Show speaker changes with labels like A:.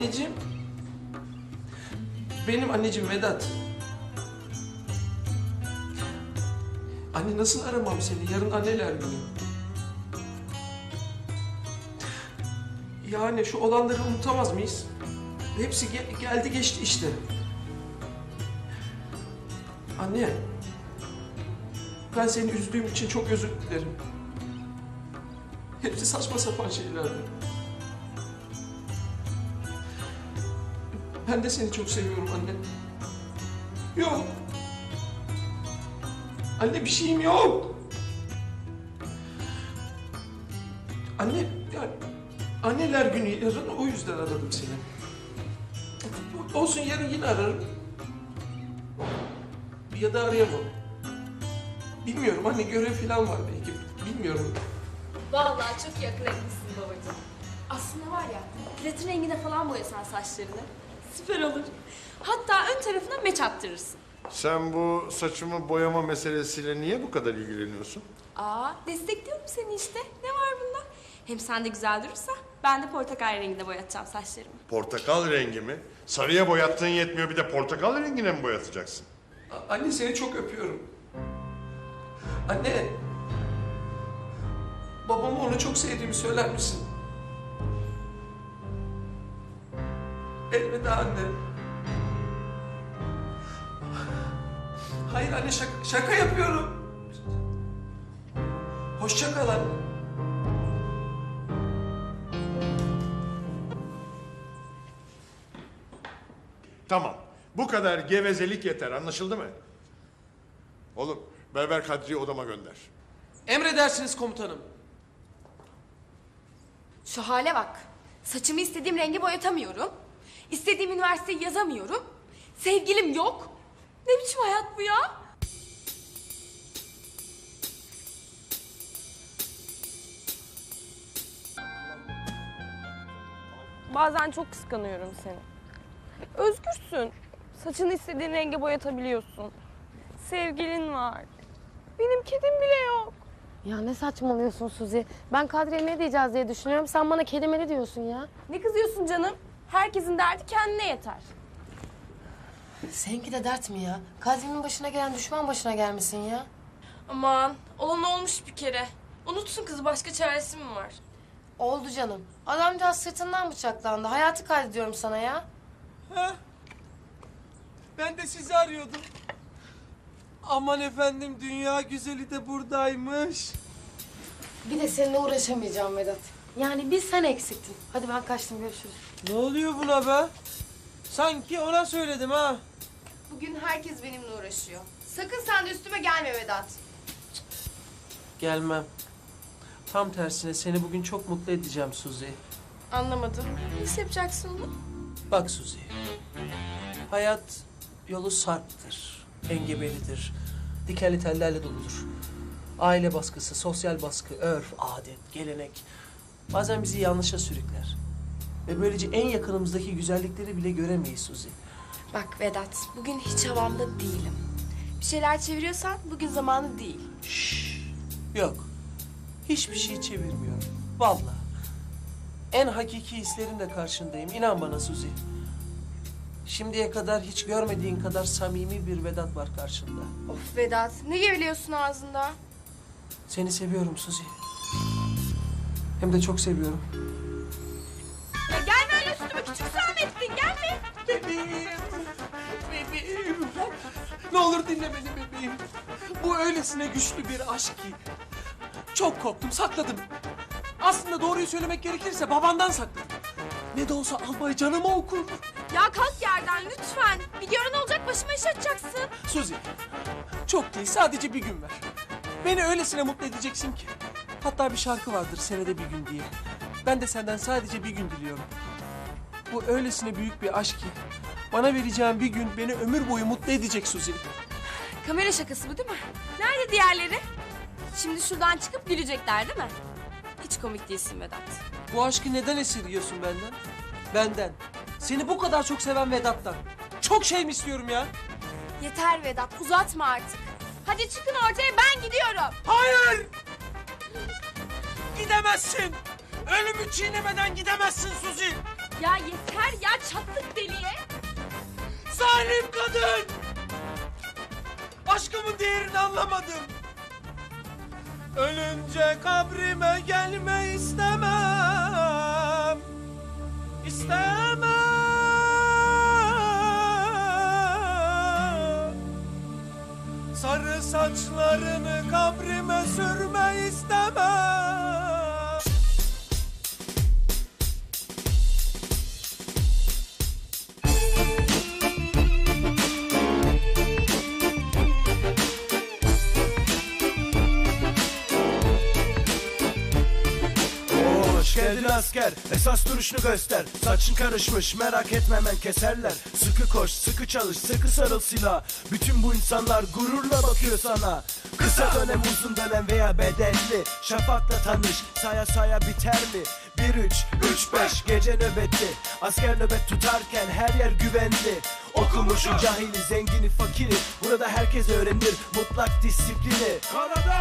A: Anneciğim. Benim anneciğim Vedat. Anne nasıl aramam seni? Yarın anneler günü. Yani şu olanları unutamaz mıyız? Hepsi geldi geçti işte. Anne. Ben seni üzdüğüm için çok özür dilerim. Hepsi saçma sapan şeylerdi. Ben de seni çok seviyorum anne. Yok. Anne bir şeyim yok. Anne, yani anneler günü yarın o yüzden aradım seni. Olsun yarın yine ararım. Ya da arayamam. Bilmiyorum anne görev falan var belki. Bilmiyorum.
B: Vallahi çok yakın etmişsin babacığım. Aslında var ya, platin rengine falan boyasan saçlarını. Süper olur. Hatta ön tarafına meç attırırsın.
C: Sen bu saçımı boyama meselesiyle niye bu kadar ilgileniyorsun?
B: Destekliyorum seni işte. Ne var bunda? Hem sen de güzel durursa ben de portakal renginde boyatacağım saçlarımı.
C: Portakal rengi mi? Sarıya boyattığın yetmiyor, bir de portakal rengine mi boyatacaksın?
A: Anne seni çok öpüyorum. Anne. Babama onu çok sevdiğimi söyler misin? Elveda anne. Hayır anne şaka yapıyorum. Hoşça kal anne.
C: Tamam, bu kadar gevezelik yeter, anlaşıldı mı? Oğlum, Berber Kadri'yi odama gönder.
A: Emredersiniz komutanım.
B: Şu hale bak. Saçımı istediğim renge boyatamıyorum. İstediğim üniversiteyi yazamıyorum. Sevgilim yok. Ne biçim hayat bu ya?
D: Bazen çok kıskanıyorum seni. Özgürsün. Saçını istediğin renge boyatabiliyorsun. Sevgilin var. Benim kedim bile yok.
E: Ya ne saçmalıyorsun Suzi? Ben Kadri'ye ne diyeceğiz diye düşünüyorum. Sen bana kelimeli diyorsun ya.
D: Ne kızıyorsun canım? Herkesin derdi kendine yeter.
E: Seninki de dert mi ya? Kadri'nin başına gelen düşman başına gelmesin ya.
D: Aman olan olmuş bir kere. Unutsun kızı, başka çaresi mi var?
E: Oldu canım. Adamcağız sırtından bıçaklandı. Hayatı kaydediyorum sana ya.
A: Ha? Ben de sizi arıyordum. Aman efendim dünya güzeli de buradaymış.
E: Bir de seninle uğraşamayacağım Vedat. Yani bir sen eksiktin. Hadi ben kaçtım, görüşürüz.
A: Ne oluyor buna be? Sanki ona söyledim ha.
E: Bugün herkes benimle uğraşıyor. Sakın sen de üstüme gelme Vedat.
A: Gelmem. Tam tersine seni bugün çok mutlu edeceğim Suzi.
D: Anlamadım. Nasıl yapacaksın onu?
A: Bak Suzi. Hayat yolu sarptır, engebelidir, dikenli tellerle doludur. Aile baskısı, sosyal baskı, örf, adet, gelenek bazen bizi yanlışa sürükler. Ve böylece en yakınımızdaki güzellikleri bile göremeyiz Suzi.
B: Bak Vedat, bugün hiç havamda değilim. Bir şeyler çeviriyorsan bugün zamanı değil.
A: Yok. Hiçbir şey çevirmiyorum. Vallahi. En hakiki hislerimle karşındayım. İnan bana Suzi. Şimdiye kadar hiç görmediğin kadar samimi bir Vedat var karşında.
B: Of Vedat, ne geveliyorsun ağzında?
A: Seni seviyorum Suzi. Hem de çok seviyorum.
B: Ya gelme öyle üstüme, küçük Samettin, gelme.
A: Bebeğim. Bebeğim. Ne olur dinle beni bebeğim. Bu öylesine güçlü bir aşk ki. Çok korktum, sakladım. Aslında doğruyu söylemek gerekirse babandan sakladım. Ne de olsa albay canıma okur.
B: Ya kalk yerden lütfen. Bir görün olacak, başıma iş açacaksın.
A: Suzi, çok değil sadece bir gün ver. Beni öylesine mutlu edeceksin ki. Hatta bir şarkı vardır senede bir gün diye. Ben de senden sadece bir gün diliyorum. Bu öylesine büyük bir aşk ki. Bana vereceğin bir gün beni ömür boyu mutlu edecek Suzi.
B: Kamera şakası bu değil mi? Nerede diğerleri? Şimdi şuradan çıkıp gülecekler değil mi? Hiç komik değilsin Vedat.
A: Bu aşkı neden esirgiyorsun benden? Benden. Seni bu kadar çok seven Vedat'tan. Çok şey mi istiyorum ya?
B: Yeter Vedat, uzatma artık. Hadi çıkın ortaya, ben gidiyorum.
A: Hayır! Gidemezsin! Ölümü çiğnemeden gidemezsin Suzi!
B: Ya yeter ya, çattık deliye.
A: Zalim kadın! Aşkımın değerini anlamadım. Ölünce kabrime gelme istemem. İstemem. Sarı saçlarını kabrime sürme istemem.
F: Hoş geldin asker, esas duruşunu göster. Saçın karışmış, merak etme hemen keserler. Sıkı koş, sıkı çalış, sıkı sarıl silah. Bütün bu insanlar gururla bakıyor sana. Kısa dönem, uzun dönem veya bedelli. Şafakla tanış, saya saya biter mi? 1-3-3-5 gece nöbeti. Asker nöbet tutarken her yer güvenli. Okumuşu, cahili, zengini, fakiri. Burada herkes öğrenir mutlak disiplini. Karada